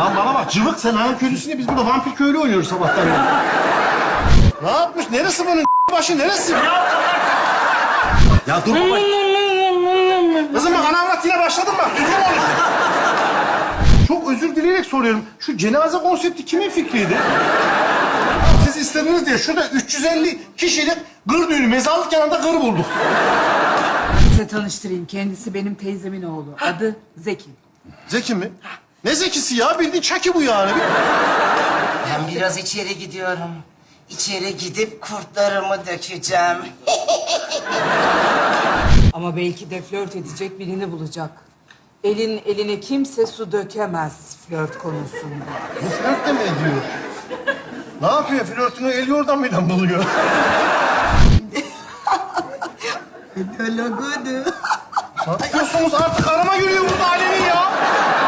Lan bana bak cıvık, sen hanım köylüsün ya, biz burada vampir köylü oynuyoruz sabahtan beri. Ne yapmış? Neresi bunun başı, neresi? Ya dur baba. Kızım bak, ana avrat yine başladın bak. Düzgün konuş. Çok özür dileyerek soruyorum. Şu cenaze konsepti kimin fikriydi? Siz istediniz diye şurada 350 kişilik gır düğünü, mezarlık yanında gır bulduk. Size tanıştırayım. Kendisi benim teyzemin oğlu. Adı Zeki. Zeki mi? Ne zekisi ya? Bildiğin Çaki bu yani. Ben biraz içeri gidiyorum. İçeri gidip kurtlarımı dökeceğim. Ama belki de flört edecek birini bulacak. Elin eline kimse su dökemez flört konusunda. Bu flört de mi ediyor? Ne yapıyor? Flörtünü el yordamıyla buluyor. Dalagudu. Ne yapıyorsunuz? Artık arama giriyor burada Alemin ya.